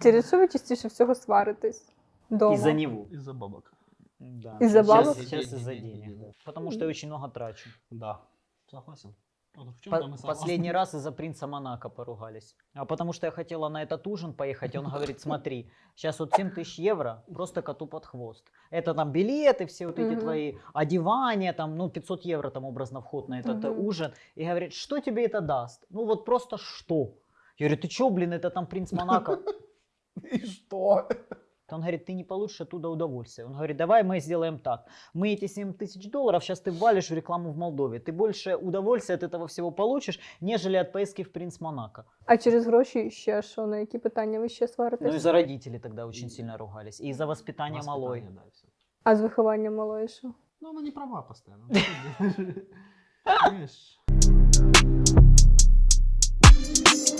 через що ви частіше всього сваритесь дома? Из-за него. Из-за бабок. Да. Из-за бабок? Сейчас из-за денег. Да. Потому что я очень много трачу. Да. Согласен. Вот в чем-то мы согласны. Последний раз из-за принца Монако поругались. А потому что я хотела на этот ужин поехать, и он говорит, смотри, сейчас вот 7 тысяч евро просто коту под хвост. Это там билеты, все вот эти твои одевания, там, ну, 500 евро там образно вход на этот ужин. И говорит, что тебе это даст? Ну вот просто что? Я говорю, ты чё, блин, это там принц Монако. И что? Он говорит, ты не получишь оттуда удовольствие. Он говорит, давай мы сделаем так. Мы эти 7 тысяч долларов сейчас ты ввалишь в рекламу в Молдове. Ты больше удовольствия от этого всего получишь, нежели от поездки в принц Монако. А через гроші ще що? На які питання ви ще сваритесь? Ну, из-за родителей тогда очень сильно ругались. И из-за воспитания малой. Воспитание, да, всё. А з вихованням малої що? Ну, она не права постоянно. Знаешь,